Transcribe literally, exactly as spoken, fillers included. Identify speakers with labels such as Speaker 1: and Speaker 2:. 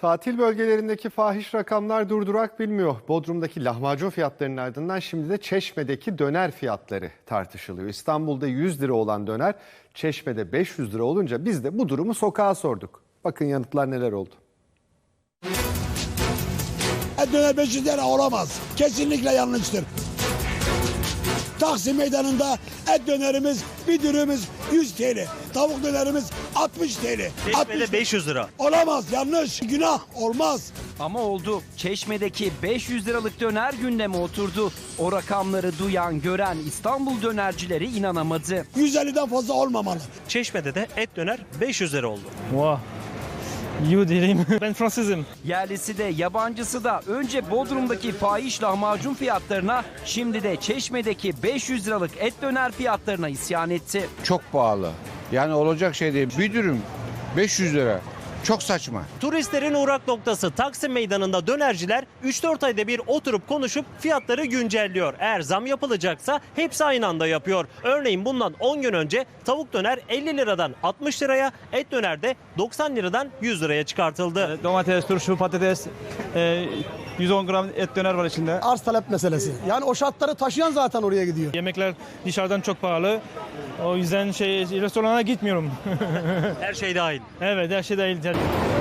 Speaker 1: Tatil bölgelerindeki fahiş rakamlar durdurak bilmiyor. Bodrum'daki lahmacun fiyatlarının ardından şimdi de Çeşme'deki döner fiyatları tartışılıyor. İstanbul'da yüz lira olan döner Çeşme'de beş yüz lira olunca biz de bu durumu sokağa sorduk. Bakın yanıtlar neler oldu.
Speaker 2: Et döner beş yüz lira olamaz. Kesinlikle yanlıştır. Taksim Meydanı'nda et dönerimiz, bir dürümümüz yüz TL. Tavuk dönerimiz altmış TL.
Speaker 3: Çeşme'de beş yüz lira.
Speaker 2: Olamaz, yanlış, günah, olmaz.
Speaker 4: Ama oldu. Çeşme'deki beş yüz liralık döner gündeme oturdu. O rakamları duyan, gören İstanbul dönercileri inanamadı.
Speaker 2: yüz elliden fazla olmamalı.
Speaker 3: Çeşme'de de et döner beş yüz lira oldu.
Speaker 5: Wow. You değilim. Ben Fransızım.
Speaker 4: Yerlisi de yabancısı da önce Bodrum'daki fahiş lahmacun fiyatlarına, şimdi de Çeşme'deki beş yüz liralık et döner fiyatlarına isyan etti.
Speaker 6: Çok pahalı. Yani olacak şey değil. Bir dürüm beş yüz lira. Çok saçma.
Speaker 3: Turistlerin uğrak noktası Taksim Meydanı'nda dönerciler üç dört ayda bir oturup konuşup fiyatları güncelliyor. Eğer zam yapılacaksa hepsi aynı anda yapıyor. Örneğin bundan on gün önce tavuk döner elli liradan altmış liraya, et döner de doksan liradan yüz liraya çıkartıldı.
Speaker 5: Domates, turşu, patates, e, yüz on gram et döner var içinde.
Speaker 7: Arz talep meselesi. Yani o şartları taşıyan zaten oraya gidiyor.
Speaker 5: Yemekler dışarıdan çok pahalı. O yüzden şey restorana gitmiyorum.
Speaker 3: Her şey dahil.
Speaker 5: Evet, her şey dahil.